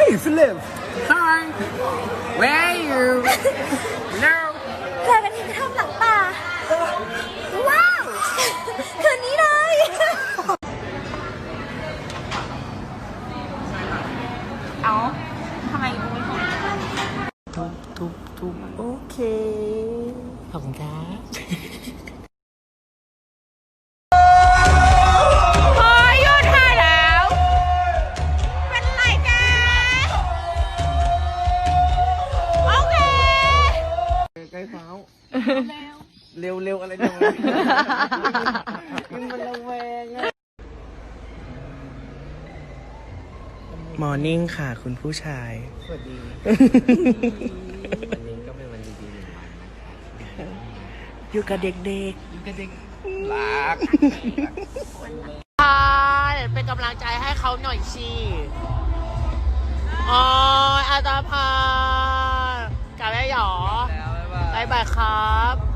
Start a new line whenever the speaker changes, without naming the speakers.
Philip
Hi Where are you No
เจอกันที่กระท่อมหลังป่าว้าวคืนนี้เลย
เอาทำไมกูไม่พูด
ทุบโอเคขอบคุณครับ
พอหยุดถ่ายแล้ว เป็นไรกัน โอเค
ใกล้เท้าเร็วอะไรจังมันระแวงอะมอร์นิ่งค่ะคุณผู้ชายสวัสดีวันนี้ก็เป็นวันดีๆหนึ่งวันอยู่กับเด็กๆอยู่กับเด็กรัก
เป็นกำลังใจให้เขาหน่อยสิอ๋ออาตาพากลับได้หรอ
แล้วบ๊ายบาย
บ๊ายบายครับ